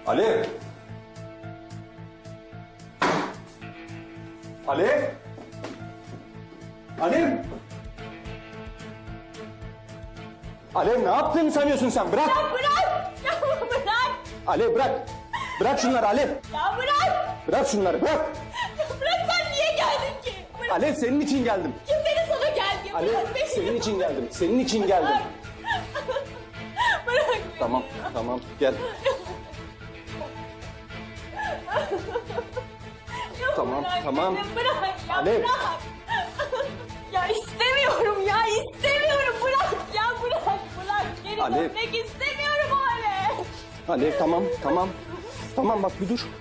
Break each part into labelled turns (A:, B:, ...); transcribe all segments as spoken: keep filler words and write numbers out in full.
A: Alev! Alev! Alev! Alev ne yaptığını sanıyorsun sen? Bırak!
B: Ya bırak! Ya bırak!
A: Alev bırak! Bırak şunları Alev!
B: Ya bırak!
A: Bırak şunları bırak!
B: Ya bırak, sen niye geldin ki? Bırak.
A: Alev senin için geldim.
B: Kim dedi sana gel diye?
A: Alev
B: Bırak beni.
A: senin için geldim. Senin için geldim.
B: Bırak beni.
A: Tamam tamam gel.
B: Ya
A: Tamam,
B: bırak
A: tamam.
B: beni, bırak ya,
A: Alev.
B: bırak. Ya istemiyorum ya, istemiyorum. Bırak ya, bırak, bırak. Geri
A: Alev.
B: dönmek istemiyorum Alev.
A: Alev tamam tamam. Tamam bak bir dur.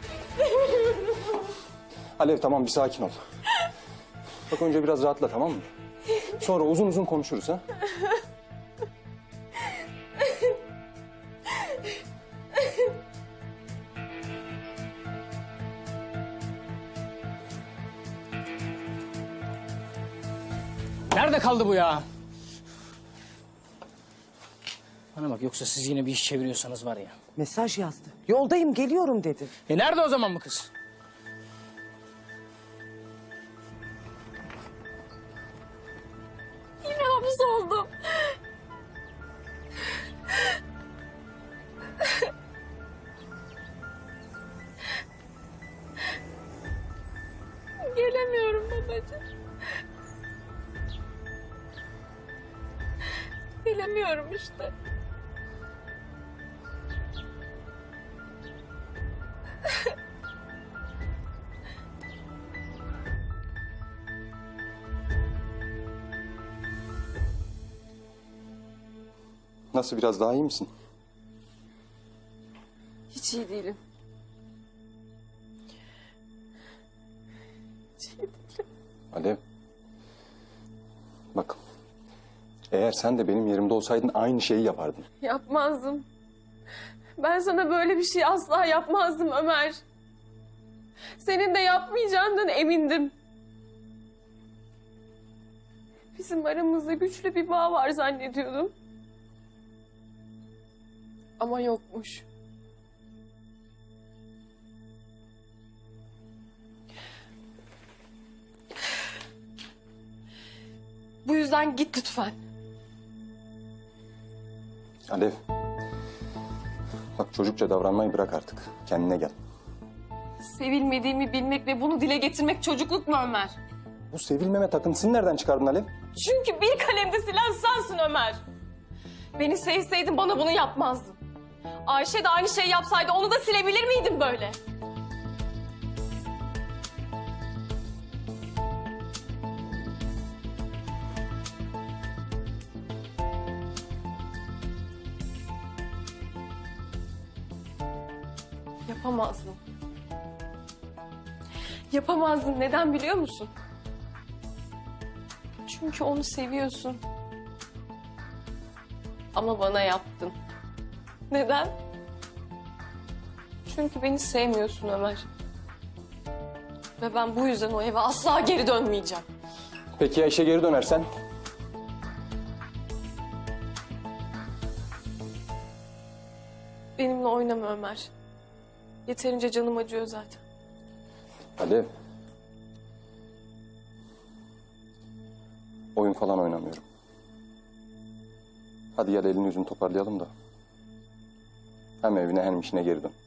A: Alev tamam bir sakin ol. Bak önce biraz rahatla tamam mı? Sonra uzun uzun konuşuruz ha.
C: Nerede kaldı bu ya? Bana bak, yoksa siz yine bir iş çeviriyorsanız var ya.
D: Mesaj yazdı. Yoldayım, geliyorum dedi.
C: E nerede o zaman bu kız?
B: Yine hapsoldum. Gelemiyorum babacığım. Gelemiyorum işte.
A: Nasıl biraz daha iyi misin?
B: Hiç iyi değilim. Hiç iyi değilim.
A: Alev. Bak. Eğer sen de benim yerimde olsaydın aynı şeyi yapardın.
B: Yapmazdım. Ben sana böyle bir şey asla yapmazdım Ömer. Senin de yapmayacağından emindim. Bizim aramızda güçlü bir bağ var zannediyordum. Ama yokmuş. Bu yüzden git lütfen.
A: Alev. Bak çocukça davranmayı bırak artık. Kendine gel.
B: Sevilmediğimi bilmek ve bunu dile getirmek çocukluk mu Ömer?
A: Bu sevilmeme takıntısını nereden çıkardın Alev?
B: Çünkü bir kalemde silen sensin Ömer. Beni sevseydin bana bunu yapmazdın. Ayşe de aynı şeyi yapsaydı onu da silebilir miydin böyle? Yapamazdın. Yapamazdın. Neden biliyor musun? Çünkü onu seviyorsun. Ama bana yaptın. Neden? Çünkü beni sevmiyorsun Ömer. Ve ben bu yüzden o eve asla geri dönmeyeceğim.
A: Peki ya işe geri dönersen?
B: Benimle oynama Ömer. Yeterince canım acıyor zaten.
A: Alev. Oyun falan oynamıyorum. Hadi gel elini yüzünü toparlayalım da. Hem evine hem işine geri dön.